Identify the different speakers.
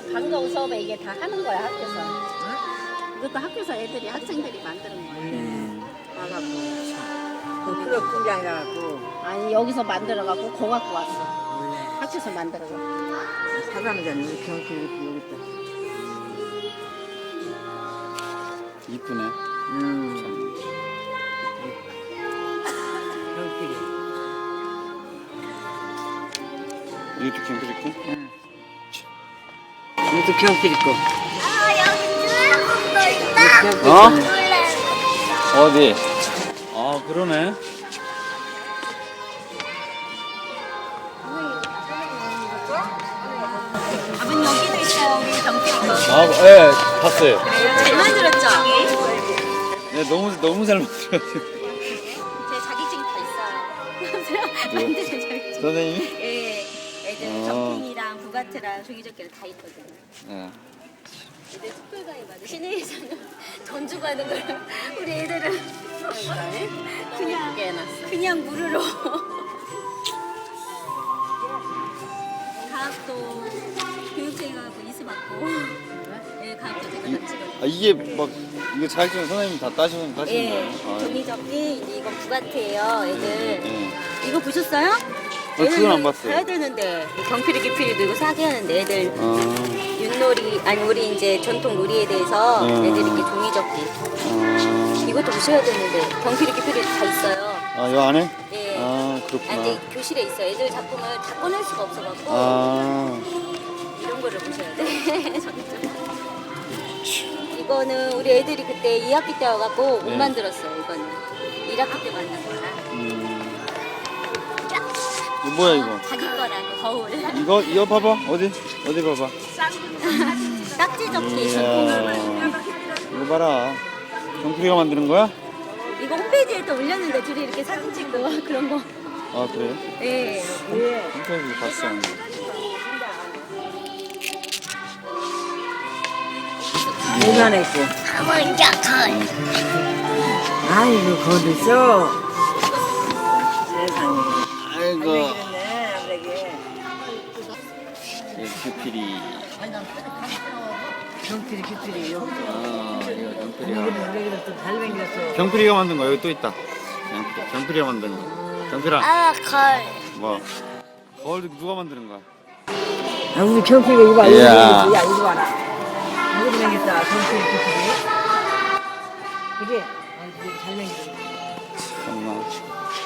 Speaker 1: 방과후 수업에 이게 다 하는 거야 학교에서.
Speaker 2: 이것도 학교에서 애들이 학생들이 만드는 거예요.
Speaker 3: 알았고. 그 클럽 분장해 갖고
Speaker 1: 아니 여기서 만들어갖고 공학고 왔어.
Speaker 3: 원래
Speaker 1: 학교에서 만들어서.
Speaker 3: 사람들은 우리 경치 이렇게 여기 있다.
Speaker 4: 이쁘네.
Speaker 3: 경필이.
Speaker 4: 이것도 캠프 있고?
Speaker 3: 응. 이것도 경필 있고.
Speaker 4: 어? 어디? 아 그러네.
Speaker 1: 아버님 여기도 있어요 우리 경필이 거.
Speaker 4: 아, 예, 봤어요.
Speaker 1: 잘 만들었죠?
Speaker 4: 네, 너무 잘 만들었어요.
Speaker 1: 제 자격증 다 있어요. 만드는 자격증.
Speaker 4: 선생님이?
Speaker 1: 예, 애들 점핑이랑 부가트랑 종이접기를 다 있거든요.
Speaker 4: 예.
Speaker 1: 애들 특별가에 맞아. 시내에서는 돈 주고 하는 걸 우리 애들은 그냥 무료로. 가학도 교육생하고 이수 받고. 네, 가학도 제가 다 찍어요.
Speaker 4: 아 이게 막 이거 자격증 선생님 다 따시는
Speaker 1: 예,
Speaker 4: 거예요?
Speaker 1: 종이접기 이제 이건 부가트예요, 애들.
Speaker 4: 예.
Speaker 1: 이거 보셨어요?
Speaker 4: 그건 안 봤어요.
Speaker 1: 해야 되는데 경필이 기필이도 이거 사게 하는데 애들
Speaker 4: 아,
Speaker 1: 윷놀이 아니 우리 이제 전통 놀이에 대해서 애들 이렇게 종이접기 이것도 보셔야 되는데 경필이 기필이 다 있어요.
Speaker 4: 아, 요 안에?
Speaker 1: 예.
Speaker 4: 아,
Speaker 1: 아,
Speaker 4: 그렇구나.
Speaker 1: 이제 교실에 있어요. 애들 작품을 다 꺼낼 수가 없어갖고
Speaker 4: 아,
Speaker 1: 이런 거를 보셔야 돼. 이거는 우리 애들이 그때 2학기 때 와갖고 못
Speaker 4: 네.
Speaker 1: 만들었어요. 이거는 1학기 때 만든 거라.
Speaker 4: 이거 뭐야 이거?
Speaker 1: 자기 거라고 거울.
Speaker 4: 이거 봐봐. 어디 봐봐.
Speaker 1: 딱지 접기
Speaker 4: 이야,
Speaker 1: 전통을.
Speaker 4: 이거 봐라. 경필이가 만드는 거야?
Speaker 1: 이거 홈페이지에 또 올렸는데 둘이 이렇게 사진 찍고 그런 거.
Speaker 4: 아, 그래요?
Speaker 1: 예.
Speaker 4: 홈페이지 봤어.
Speaker 3: 대단했고. 아이고, 거기 있어. 세상에.
Speaker 4: 아이고.
Speaker 3: 그러네, 아무래게.
Speaker 4: 경필이.
Speaker 3: 경필이, 기필이요.
Speaker 4: 아, 이거 경필이가.
Speaker 3: 우리가 또 잘생겼어.
Speaker 4: 경필이가 만든 거 여기 또 있다. 경필이가 만든 거. 경필아.
Speaker 1: 아, 걸.
Speaker 4: 뭐? 거울 누가 만드는 거야?
Speaker 3: 아, 우리 경필이가 이거 봐.
Speaker 4: 이야.
Speaker 3: 야, 이거 봐라. 이거 생겼다, 경필이, 기필이. 그래. 아, 이거 잘생겼어.
Speaker 4: 정말.